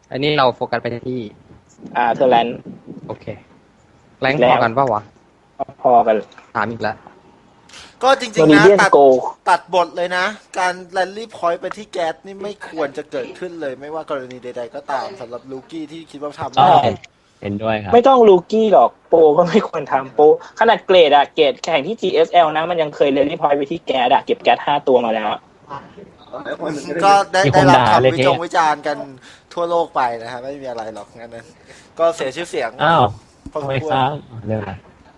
อันนี้เราโฟกัสไปที่เทอร์แลนด์โอเคแรงพอกันป่าวะพอกันถามอีกแล้วก็จริงๆนะตัดบทเลยนะ การแรลลี่พอยต์ไปที่แก๊สนี่ไม่ควรจะเกิดขึ้นเลย ไม่ว่ากรณีใดๆก็ตามสำหรับลูกี้ที่คิดว่าทำได้เห็นด้วยครับไม่ต้องลูกี้หรอกโปรก็ไม่ควรทำโปรขนาดเกรดแข่งที่ GSL นะมันยังเคยเรลลี่พอยต์ไปที่แก๊สเก็บแก๊ส5 ตัวมาแล้วก็ได้รับคำวิจารณ์กันทั่วโลกไปนะฮะไม่มีอะไรหรอกงั้นนั้นก็เสียชื่อเสียงอ้าวพอสมควรเรื่องอะไร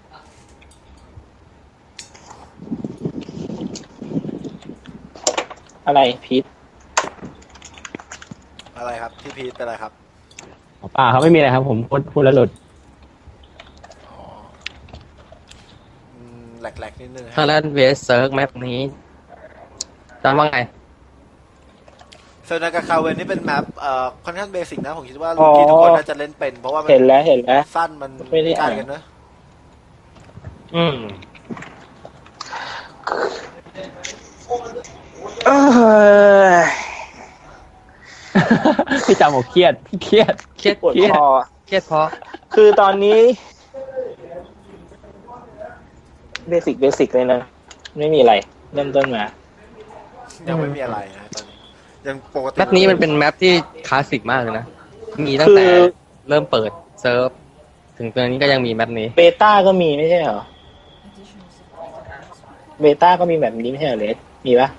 อะไรพีทอะไรครับที่พีทเป็นอะไรครับป่าเขาไม่มีอะไรครับผมพูดแล้วหลุดแหลกๆนิดนึงถ้าเล่นเวสเซิร์กแมปนี้จำว่าไงเซอร์นากาคาเวนนี่เป็นแมปค่อนข้างเบสิกนะผมคิดว่าลูกี้ทุกคนน่าจะเล่นเป็นเพราะว่าเห็นแล้วสั้นมันใกล้กันเนอะพี่จำบอกเครียดปวดคอเครียดเพราะคือตอนนี้เบสิกเลยนะไม่มีอะไรเริ่มต้นมายังไม่มีอะไรนะตอนนี้ยังปกติแมปนี้มันเป็นแมปที่คลาสสิกมากเลยนะมีตั้งแต่เริ่มเปิดเซิร์ฟถึงตอนนี้ก็ยังมีแมปนี้เบต้าก็มีไม่ใช่เหรอเบต้าก็มีแบบนี้ไม่ใช่เหรอเลสมีปะ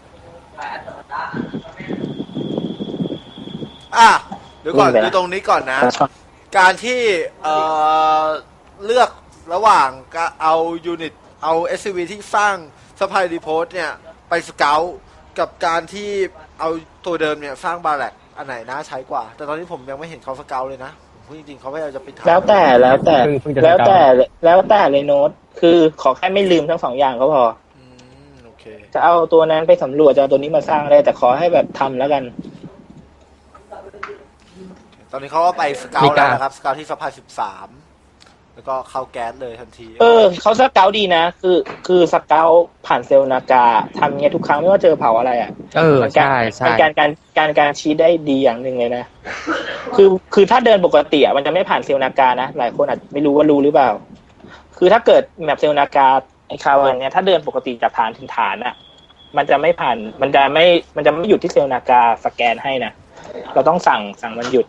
เดี๋ยวก่อนดูตรงนี้ก่อนนะการที่เลือกระหว่างเอายูนิตเอา SCV ที่สร้างซัพพลายรีโพสเนี่ยไปสเกลกับการที่เอาตัวเดิมเนี่ยสร้างบาแลกอันไหนน่าใช้กว่าแต่ตอนนี้ผมยังไม่เห็นเขาสเกลเลยนะผมจริงๆเขาไม่เอาจะไปทำแล้วแต่เลยโน้ตคือขอแค่ไม่ลืมทั้ง2 อย่างก็พอโอเคจะเอาตัวนั้นไปสำรวจจะเอาตัวนี้มาสร้างได้แต่ขอให้แบบทำแล้วกันตอนนี้เขาก็ไปสเกลแล้วนะครับสเกลที่ซัพพลาย13แล้วก็เข้าแก๊สเลยทันทีเขาสเกลดีนะคือสเกลผ่านเซลล์นากาทำเงี้ยทุกครั้งไม่ว่าเจอเผาอะไรใช่เป็นการชี้ได้ดีอย่างหนึ่งเลยนะคือถ้าเดินปกติมันจะไม่ผ่านเซลล์นากานะหลายคนอาจไม่รู้ว่ารู้หรือเปล่าคือถ้าเกิดแมปเซลล์นากาไอ้คาวันเนี้ยถ้าเดินปกติจากฐานถึงฐานมันจะไม่ผ่านมันจะไม่หยุดที่เซลล์นากาสแกนให้นะเราต้องสั่งมันหยุด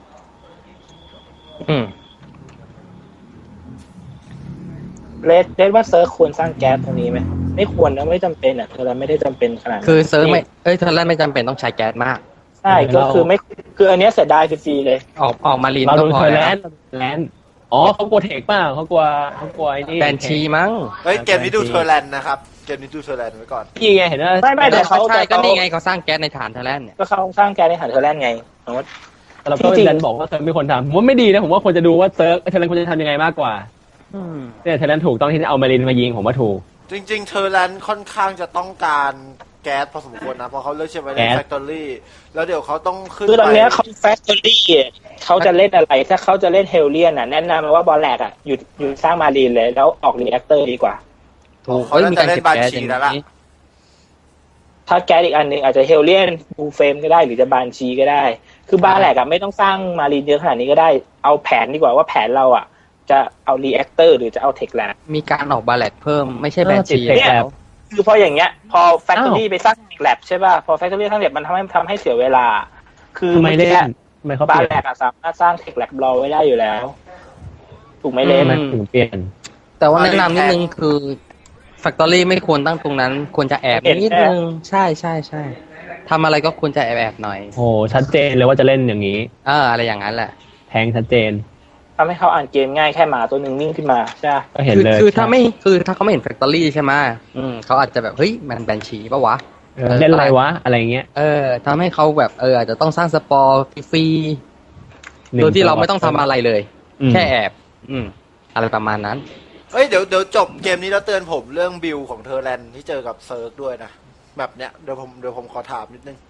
เลดว่าเซิร์ฟควรสร้างแก๊สตรงนี้ไหมไม่ควรนะไม่จำเป็นเธอไม่ได้จำเป็นขนาดคือเซิร์ฟไม่เธอไม่จำเป็นต้องใช้แก๊สมากใช่ก็คือไม่คืออันนี้เสียดายฟรีเลยออกมาลีนก็พอแล้วเขากลัวเทคป่ะเขากลัวไอ้นี่แบนชีมั้งเกมนี้ดูเทอร์แลนด์นะครับเกมนี้ดูเทอร์แลนด์ไว้ก่อนพี่ไงเห็นว่าไม่แต่เขาก็นี่ไงเขาสร้างแก๊สในฐานเทอร์แลนด์เนี่ยก็เขาสร้างแก๊สในฐานเทอร์แลนด์ไงเราก็ดันบอกว่าเซิร์ฟไม่ควรทำผมว่าไม่ดีนะผมว่าควรจะดูว่าเซิร์ฟเทอร์แลนด์ควรจะทำยังไงมากกว่าเนี่ยเทอร์แลนด์ถูกต้องที่จะเอามารินมายิงผมว่าถูกจริงๆเทอร์แลนด์ค่อนข้างจะต้องการแก๊สพอสมควรนะเพราะเขาเลือกใช้ไว้ในแฟคทอรี่แล้วเดี๋ยวเขาต้องขึ้นคือตอนนี้เขาแฟคทอรี่เขาจะเล่นอะไรถ้าเขาจะเล่นเฮลเลียนแนะนำว่าบอลแลกหยุดสร้างมารีนเลยแล้วออกรีแอคเตอร์ดีกว่าถูกเขาจะเล่นบาชีแล้วล่ะถ้าแก๊สอีกอันนึงอาจจะเฮลเลียนบูเฟมก็ได้หรือจะบานชีก็ได้คือบาแลกไม่ต้องสร้างมารีนเยอะขนาดนี้ก็ได้เอาแผนดีกว่าว่าแผนเราจะเอารีแอคเตอร์หรือจะเอาเทคแลบมีการออกบาแลกเพิ่มไม่ใช่แบนชีแล้วคือพออย่างเงี้ยพอแฟคทอรี่ไปสร้างแลบใช่ป่ะพอแฟคทอรี่สร้างแลบมันทำให้เสียเวลาคือไม่เล่นบาแลกสามารถสร้างเทคแลบรอไว้ได้อยู่แล้วถูกไหมเล่นถึงเปลี่ยนแต่ว่าแนะนำนิดนึงคือแฟคทอรี่ไม่ควรตั้งตรงนั้นควรจะแอบนิดนึงใช่ทำอะไรก็ควรจะแอบหน่อยโอ้ชัดเจนเลยว่าจะเล่นอย่างนี้อะไรอย่างนั้นแหละแทงชัดเจนทำให้เขาอ่านเกมง่ายแค่หมาตัวหนึ่งวิ่งขึ้นมาใช่ก็เห็นเลยคือถ้าเขาไม่เห็นแฟคทอรี่ใช่ไหมเขาอาจจะแบบเฮ้ยมันแบนชีป่ะวะเล่นอะไรวะอะไรเงี้ยทำให้เขาแบบอาจจะต้องสร้างสปอร์ฟรีโดยที่เราไม่ต้องทำอะไรเลยแค่แอบอะไรประมาณนั้นเดี๋ยวจบเกมนี้แล้วเตือนผมเรื่องบิลของเทอร์แลนด์ที่เจอกับเซิร์กด้วยนะแบบเนี้ยเดี๋ยวผมขอถามนิดนึง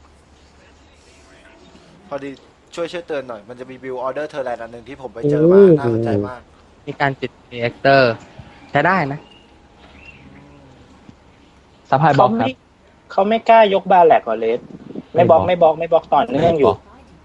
พอดีช่วยเตือนหน่อยมันจะมีบิลออเดอร์เทอร์แลนด์อันนึงที่ผมไปเจอมาน่าสนใจมากมีการติดรีแอคเตอร์ใช้ได้นะซัพพลายบล็อกครับเขาไม่กล้ายกบาแลกก่อนเลสไม่บล็อกต่อเนื่องอยู่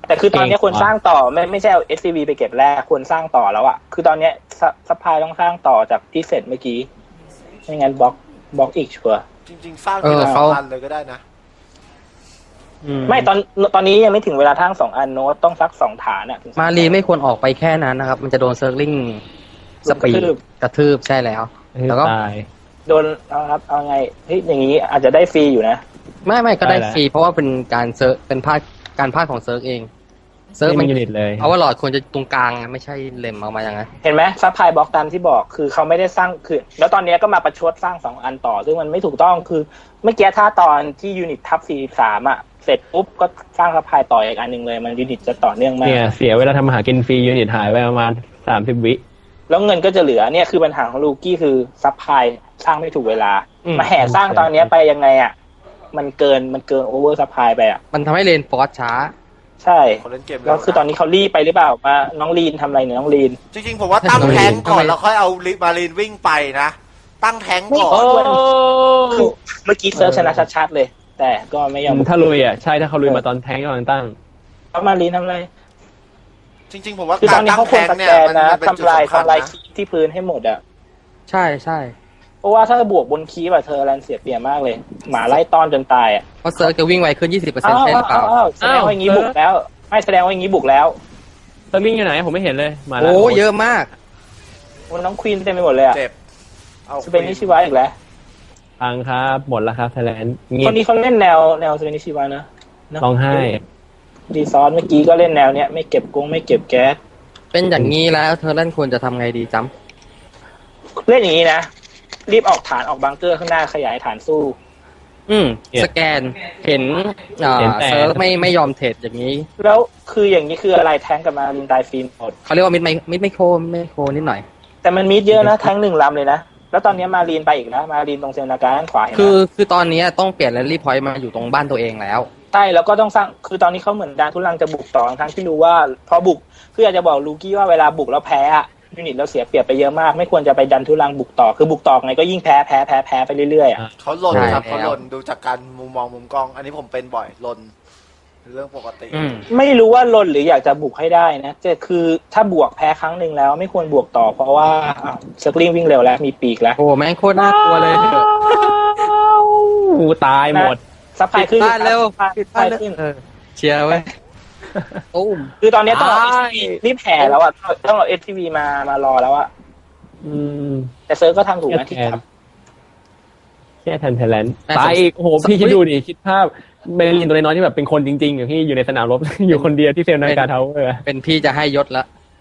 แต่คือตอนนี้ควรสร้างต่อไม่ใช่เอา SCV ไปเก็บแรกควรสร้างต่อแล้วอ่ะคือตอนเนี้ยซัพพลายต้องสร้างต่อจากที่เสร็จเมื่อกี้ไม่งั้นบล็อกอีกชัวร์จริงๆ สร้างทีละ2 อันเลยก็ได้นะไม่ตอนนี้ยังไม่ถึงเวลาทั้ง2 อันโน้ตต้องซัก2 ฐานอ่ะมารีไม่ควรออกไปแค่นั้นนะครับ มันจะโดนเซิร์ฟลิงสปีดกระทืบใช่แล้วแล้วก็ตายโดนเอาไงเฮ้ยอย่างนี้อาจจะได้ฟรีอยู่นะไม่ก็ได้ได้แล้วฟรีเพราะว่าเป็นการเซิร์ฟเป็นการพลาดของเซิร์ฟเองเซิร์ฟไม่มันมียูนิตเลยเอาว่าหลอดควรจะตรงกลางอะไม่ใช่เล็มออกมาอย่างนั้นเห็นไหมซัพพลายบล็อกตามที่บอกคือเขาไม่ได้สร้างคือแล้วตอนนี้ก็มาประชดสร้าง2 อันต่อซึ่งมันไม่ถูกต้องคือเมื่อกี้ถ้าตอนที่ยูนิตทับ43อ่ะเสร็จปุ๊บก็สร้างซัพพลายต่ออีกอันหนึ่งเลยมันยูนิตจะต่อเนื่องมากเนี่ยเสียเวลาทำอาหารกินฟรียูนิตหายไปประมาณ30 วิแล้วเงินก็จะเหลือเนี่ยคือปัญหาของลูกี้คือซัพพลายสร้างไม่ถูกเวลามาแห่สร้างตอนนี้ไปยังไงอ่ะมันเกินโอเวอร์ซัพพลายไปอ่ะมันทำให้เลนฟอร์สช้าใช่คนเล่นเกมแล้วคือตอนนี้เขารีบไปหรือเปล่ามาน้องลีนทำอะไรเนี่ยน้องลีนจริงๆ ผมว่าตั้งแทงก่อนแล้วค่อยเอามารีนวิ่งไปนะ ตั้งแทงก่อนคือเมื่อกี้เซิร์ฟชนะชัดๆเลย แต่ก็ไม่ยอมถ้าลุยอ่ะใช่ถ้าเขาลุยมาตอนแทงก์ก็ตั้งเขามาลีนทำอะไรจริงๆ ผมว่าคือตกาอรนนี้ตั้งเขาคแทวรง สเนี่แกยนนะมันเป็นจุดทำลายสำคัญคีนะย์ที่พื้นให้หมดอ่ะใช่เพราะว่าถ้าบวกบนคีย์แบบเธอแลนเสียเปรียบมากเลย หมาไล่ต้อนจนตายอ่ะเพราะเซิร์ฟจะวิ่งไวขึ้น 20%ใช่หรือเปล่าแสดงว่าอย่างนี้บุกแล้วไม่แสดงว่าอย่างนี้บุกแล้วตอนวิ่งอยู่ไหนผมไม่เห็นเลยมาแล้วโอ้เยอะมากน้องควีนเต็มไปหมดเลยอ่ะเจ็บเอาสเปนนิชิวะอีกแล้วพังครับหมดแล้วครับไทยแลนด์เงีคยบนนี้เขาเล่นแนวสเปนนิชิวะนะเนอะร้องไห้ดีซอนเมื่อกี้ก็เล่นแนวเนี้ยไม่เก็บกงไม่เก็บแก๊สเป็นอย่างนี้แล้วเธอเล่นควรจะทำไงดีจ๊ำเล่นอย่างนี้นะรีบออกฐานออกบังเกอร์ข้างหน้าขยายฐานสู้สแกนเห็นเซิร์ฟไม่ยอมเทรดอย่างนี้แล้วคืออย่างนี้คืออะไรแทงกับมาลินตายฟิล์มหมดเขาเรียกว่ามิดไม่โคนิดหน่อยแต่มันมีเยอะนะแทง1 ลำเลยนะแล้วตอนนี้มารีนไปอีกนะมารีนตรงเซลนาการด้านขวาเห็นไหมคือตอนนี้ต้องเปลี่ยนแรลลี่พอยต์มาอยู่ตรงบ้านตัวเองแล้วใช่แล้วก็ต้องสร้างคือตอนนี้เขาเหมือนดานทุลังจะบุกต่อทั้งที่รู้ว่าพอบุกคืออยากจะบอกลูกี้ว่าเวลาบุกแล้วแพ้อะยูนิตเราเสียเปรียบไปเยอะมากไม่ควรจะไปดันทุลังบุกต่อคือบุกต่อไงก็ยิ่งแพ้ไปเรื่อยๆอะเขาหล่นครับใช่เขาแล้วหล่นดูจากการมุมมองมุมกล้อง อันนี้ผมเป็นบ่อยหล่นเรื่องปกติไม่รู้ว่าลนหรืออยากจะบุกให้ได้นะแต่คือถ้าบวกแพ้ครั้งหนึ่งแล้วไม่ควรบวกต่อเพราะว่าเซอร์กลิงวิ่งเร็วแล้วมีปีกแล้วโอ้แม่งโคตรน่ากลัวเลยกูตายหมดซัพพลายขึ้นบ้านเร็วซัพพลายขึ้นเชียร์ไว้ตุ้มคือตอนนี้ต้องเอาตาย STV รีบแห่แล้วอ่ะต้องเอา STV มารอแล้วอ่ะอืมแต่เซิร์ฟก็ทำถูกนะที่ทแค่แทนไทยแลนด์ตายอีกโอ้โหพี่คิดดูดิคิดภาพเบลลินตัวน้อยๆที่แบบเป็นคนจริงๆอยู่ที่อยู่ในสนามรบ อยู่คนเดียวที่เซลนาการ์ทาวเวอร์เป็นพี่จะให้ยศละ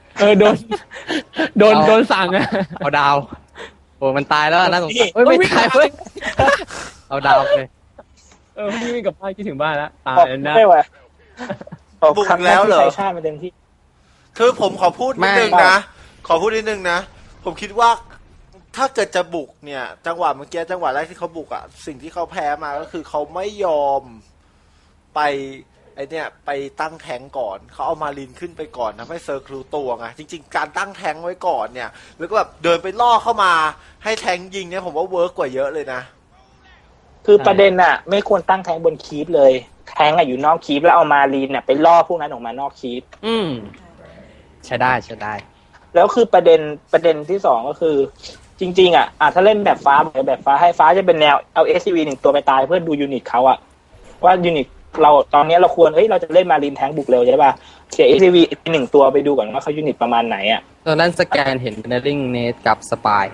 โดนสั่งอะเอาดาวโอ้มันตายแล้วน่าสงสารเฮ้ยไม่ตายเว้ยเอาดาวเลยพี่วิ่งกลับบ้านคิดถึงบ้านแล้วตาำยบอกนะไม่ไหวบุกแล้วเหรอใช้ชาติมาเต็มที่คือผมขอพูดนิดนึงไม่นะ ขอพูดนิดนึงนะ ผมคิดว่าถ้าเกิดจะบุกเนี่ย จังหวะเมื่อกี้จังหวะแรกที่เขาบุกอ่ะ สิ่งที่เขาแพ้มาก็คือเขาไม่ยอมไปไปตั้งแทงก่อน เขาเอามาลินขึ้นไปก่อนนะไม่เซอร์ครูตัวไง จริง ๆ การตั้งแทงไว้ก่อนเนี่ย แล้วก็แบบเดินไปล่อเข้ามาให้แทงยิงเนี่ยผมว่าเวิร์กกว่าเยอะเลยนะคือประเด็นอ่ะ ไม่ควรตั้งแทงบนคีปเลย แทงอ่ะอยู่นอกคีปแล้วเอามารีนเนี่ยไปล่อพวกนั้นออกมานอกคีปใช้ได้แล้วคือประเด็นที่สองก็คือ จริงๆอ่ะถ้าเล่นแบบฟ้าให้ฟ้าจะเป็นแนวเอา SCV 1 ตัวไปตายเพื่อดูยูนิตเขาอ่ะว่ายูนิตเราตอนนี้เราควรเราจะเล่นมารีนแทงบุกเร็วใช่ป่ะเสีย SCV 1 ตัวไปดูก่อนว่าเขายูนิตประมาณไหนอ่ะตอนนั้นสแกนเห็นเนลลิงเนทกับสปาย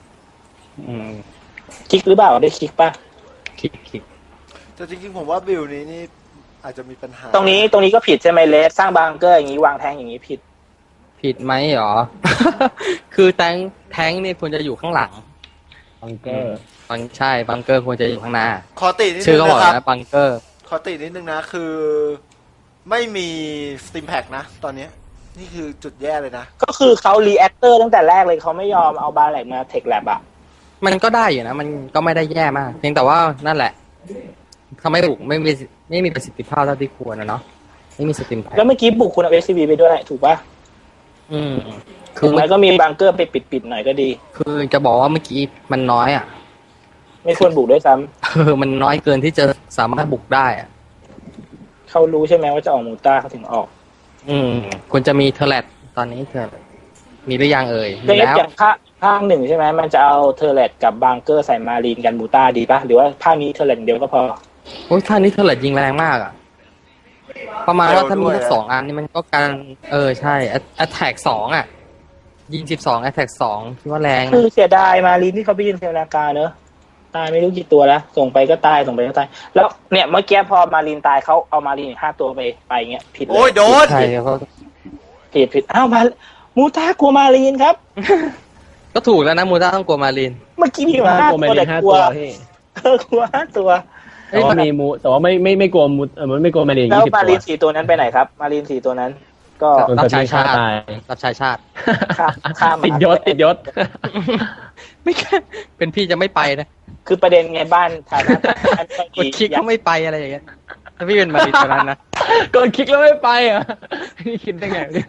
คลิกหรือเปล่าได้คลิกป่ะคลิกแต่จริงๆผมว่าบิลนี้นี่อาจจะมีปัญหาตรงนี้ก็ผิดใช่ไหมเลสสร้างบังเกอร์อย่างนี้วางแทงอย่างนี้ผิดผิดไหมหรอ คือแทงนี่ควรจะอยู่ข้างหลังบังเกอร์ใช่บังเกอร์ควรจะอยู่ข้างหน้าขอตินิดชื่นึอง ก็บอกนะครับนะบังเกอร์ขอตินิดนึงนะคือ ไม่มีสต e มแพ็กนะ ตอนนี้นี่คือจุดแย่เลยนะก็คือเขารีแอคเตอร์ตั้งแต่แรกเลยเขาไม่ยอมเอาบาแหลกมาเทคแลบอ่ะมันก็ได้อยู่นะ มันก็ไม่ได้แย่มาก เพียงแต่ว่านั่นแหละทำให้บุกไม่มีประสิทธิภาพเท่าที่ควรนะเนาะไม่มีสติมแพ็คแล้วเมื่อกี้บุกคุณเอา SCV ไปด้วยถูกป่ะคืถึงแม้ก็มีบังเกอร์ไปปิดหน่อยก็ดีคือจะบอกว่าเมื่อกี้มันน้อยอ่ะไม่ควรบุกด้วยซ้ำมันน้อยเกินที่จะสามารถบุกได้อ่ะเขารู้ใช่ไหมว่าจะออกมูต้าเขาถึงออกควรจะมีเทอร์เลตตอนนี้เทอร์มีหรือยังเอ่ยเรีมียแล้วอย่างภาคหนึ่งใช่ไหมมันจะเอาเทอร์เลตกับบางเกอร์ใส่มารีนกันมูต้าดีป่ะหรือว่าภาคนี้เทอร์เลตเดียวก็พอโอ้ยท่านี้เทอร์เลตยิงแรงมากอ่ะ ประมาณว่าถ้ามีเร็วด้วยสัก2 อันนี่มันก็การใช่แอตแทก2อ่ะ ยิง12แอตแทก2คิดว่าแรงนะคือเสียดายมารีนที่เขาไปยืนเซลนากาเนอะตายไม่รู้กี่ตัวแล้วส่งไปก็ตายส่งไปก็ตายแล้วเนี่ยเมื่อกี้พอมารีนตายเขาเอามารีนอีก5 ตัวไปเงี้ยผิดเลยโอ้ยโดนใช่เขาผิดอ้าวมามูต้ากลัวมารีนครับก็ถูกแล้วนะมูต้าต้องกลัวมารินเมื่อกี้มีอยู่ถ้า 5 กลัวแมตัวริแต่นห้ากลัตัว วพี่กลัว5 ตัวแต่ว่ามีมูแต่ว่าไม่กลัวมูมันไม่กลัวแมรินแล้ว 20 มาตัวรีน4 ตัวนั้นไปไหนครับมารีน4 ตัวนั้น ก็โดนรับสใช้ติชาติตายรับใช้ชาติข้ามมาติดยศไม่เป็นพี่จะไม่ไปนะคือประเด็นไงบ้านฐานะกดคลิกก็ไม่ไปอะไรอย่างเงี้ยถ้าพี่เป็นมารินตอนนั้นนะกดคลิกแล้วไม่ไปเหรอนี่คิดได้ไงเนี่ย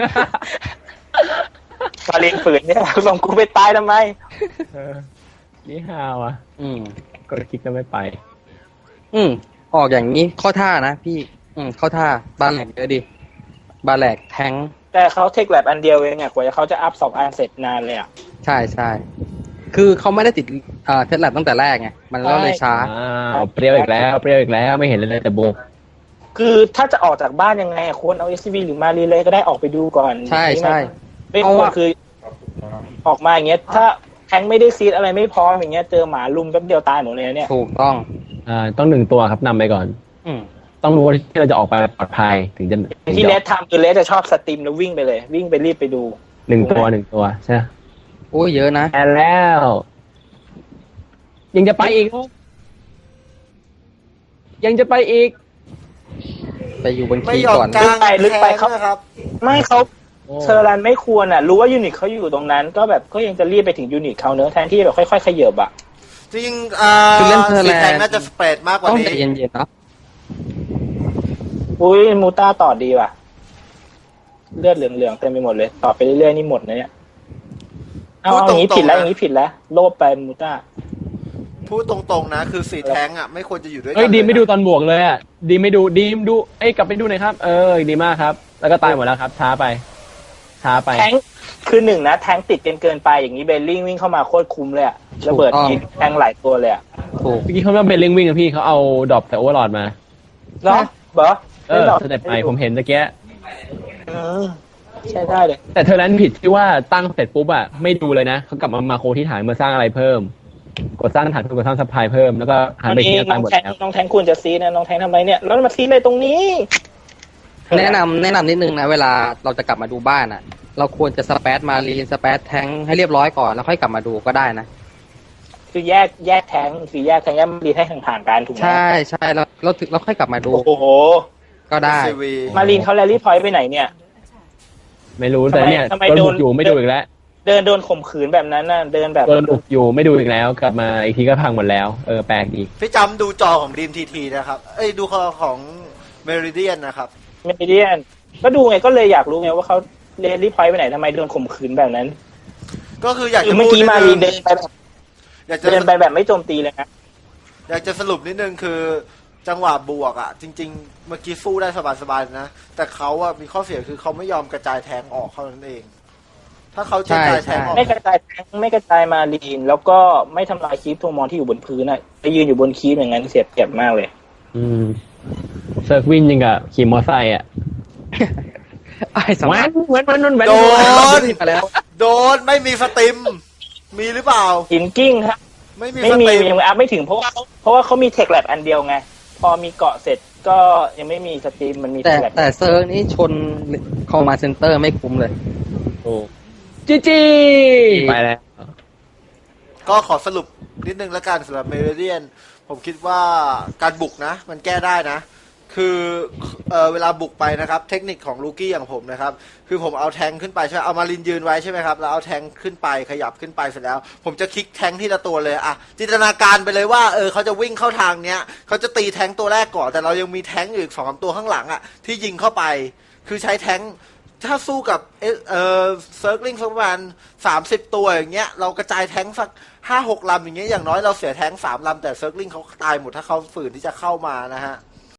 มารีนฝืนเนี่ยส่งกูไปตายทำไมนี่ฮาวอ่ะ กดคลิกแล้วไม่ไปออกอย่างนี้เข้าท่านะพี่ เข้าท่าบาแหลกเยอะดิบาแหลกแทงแต่เขาเทคแลบอันเดียวเองอ่ะกว่าจะเขาจะอัพ2 อันเสร็จนานเลยอ่ะใช่ใช่คือเขาไม่ได้ติดเทสแลบตั้งแต่แรกไงมันก็เลยช้าเปรี้ยวอีกแล้วไม่เห็นเลยแต่บุกคือถ้าจะออกจากบ้านยังไงอะควรเอา SCV หรือมารีเลยก็ได้ออกไปดูก่อนใช่ใช่ไม่ควรคือ ออกมาอย่างเงี้ยถ้าแทงไม่ได้ซีดอะไรไม่พร้อมอย่างเงี้ยเจอหมาลุมแป๊บเดียวตายหมดเลยนะเนี่ยถูกต้องต้อง1 ตัวครับนำไปก่อน ต้องรู้ว่าที่เราจะออกไปปลอดภัยถึงจะที่เลสทำคือเลสจะชอบสตรีมแล้ววิ่งไปเลย วิ่งไปรีบไปดู 1 ตัวใช่ไหมโอ้ยเยอะนะแอนแล้ว ยังจะไปอีกไปอยู่บนไม่คีย์ยอมก่อนกลางลึกไปแทงนะครับไม่เขาเชอรันไม่ควรอ่ะ รู้ว่ายูนิตเขาอยู่ตรงนั้น ก็แบบก็ยังจะรีบไปถึงยูนิตเขาเนอะแทนที่แบบค่อยๆขยับอ่ะจริงคือเล่นเทอร์สีแลแทงนด์น่าจะสเปรดมากกว่าต้องนี้ใจเย็นๆเนาะอุ้ยมูต้าต่อดีว่ะ เลือดเหลืองๆเต็มไปหมดเลย ต่อไปเรื่อยๆนี่หมดนะเนี่ยเอาอย่างนี้ผิดแล้วอย่างนี้ผิดแล้วโลภไปมูต้าพูดตรงๆนะ คือสีแทงอ่ะไม่ควรจะอยู่ด้วยกัเฮ้ยดีมไม่ดูเลยนะตอนบวกเลยอ่ะดีมไม่ดูกลับไปดูหน่อยครับดีมากครับ แล้วก็ตายหมดแล้วครับ ช้าไปแทงคือหนึ่งนะแทงติดเกินไปอย่างนี้เบลลิงวิ่งเข้ามาโคตรคุ้มเลยอะระเบิดยิงแทงหลายตัวเลยอะถูกเมื่อกี้เขาไม่เป็นเร่งวิ่งนะพี่เขาเอาดรอปแต่โอเวอร์ลอดมาเนาะเบอสเต็ปใหม่ผมเห็นตะเกียใช่ได้เลยแต่เธอนั้นผิดที่ว่าตั้งเสร็จปุ๊บอะไม่ดูเลยนะเขากลับมาโคที่ฐานมาสร้างอะไรเพิ่ม กดสร้างฐานเพิ่มกดสร้างซัพพลายเพิ่มแล้วก็หันไปที่ตายหมดแล้วน้องแทงควรจะซีนะน้องแทงทำไมเนี่ยแล้วมาซีเลยตรงนี้แนะนำนิดนึงนะเวลาเราจะกลับมาดูบ้านอ่ะ เราควรจะสเปซมารีนสเปซแทงให้เรียบร้อยก่อนแล้วค่อยกลับมาดูก็ได้นะคือแยกแทงคือแยกมารีนให้ห่างๆกันถูกไหมใช่ใช่เราค่อยกลับมาดูโอ้โหก็ได้ SCV มารีนเขาแรลลี่พอยต์ไปไหนเนี่ยไม่รู้แต่เนี่ยทำไมโดนโดบุนกอยู่ไม่ดูอีกแล้วโดนข่มขืนแบบนั้นน่ะเดินแบบโดนบุกอยู่ไม่ดูอีกแล้ว กลับมาอีกทีก็พังหมดแล้วแปลกดีพี่จำดูจอของดีมทีนะครับดูของเมริเดียนนะครับไม่เดียนก็ดูไงก็เลยอยากรู้ไงว่าเขาเรลลี่พอยต์ไปไหนทำไมโดนข่มขืนแบบนั้นก็คืออยากคือจะเมื่อพูดกี้นิดมานึรีงนเดินไปแบบอยากจะเดินไปแบบไม่โจมตีเลยนะอยากจะสรุปนิดนึงคือ จังหวะบวกอ่ะ จริง ๆ เมื่อกี้สู้ได้สบายๆนะ แต่เขาอ่ะมีข้อเสียคือเขาไม่ยอมกระจายแทงออกเท่านั้นเอง ถ้าเขากระจายแทงออกไม่กระจายแทงไม่กระจายมารีนแล้วก็ไม่ทำลายคีปทวงมอนที่อยู่บนพื้นน่ะไปยืนอยู่บนคีปอย่างนั้นเสียเปรียบมากเลยเซิร์ฟวินยังกับขี่มอไซค์อ่ะไอ้สมัยแว้นโดนไปแล้วโดนไม่มีสติม มีหรือเปล่าหินกิ้งครับไม่มีไม่สมีติมยังอัพไม่ถึงเพราะว่าเขามีเทคแลบอันเดียวไง พอมีเกาะเสร็จก็ยังไม่มีสตรีมมันมีเทแต่คแลบแต่เซิร์ฟนี่ชนคอมมาเซ็นเตอร์ไม่คุ้มเลยจีไปแล้วก็ขอสรุปนิดนึงแล้วกันสำหรับเมริเดียน ผมคิดว่าการบุกนะ มันแก้ได้นะ คือเวลาบุกไปนะครับ เทคนิคของลูกี้อย่างผมนะครับ คือผมเอาแทงขึ้นไปใช่ไหมเอามารินยืนไว้ใช่ไหมครับแล้วเอาแทงขึ้นไปขยับขึ้นไปเสร็จแล้ว ผมจะคลิกแทงที่ละตัวเลยอะจินตนาการไปเลยว่าเขาจะวิ่งเข้าทางเนี้ยเขาจะตีแทงตัวแรกก่อนแต่เรายังมีแทงอีก2-3ตัวข้างหลังอะที่ยิงเข้าไป คือใช้แทงถ้าสู้กับเซิร์กลิงสักประมาณ30 ตัวอย่างเงี้ยเรากระจายแทงสัก5-6 ลำอย่างเงี้ยอย่างน้อยเราเสียแทง3 ลำแต่เซิร์กลิงเขาตายหมดถ้าเขาฝืนที่จะเข้ามานะฮะ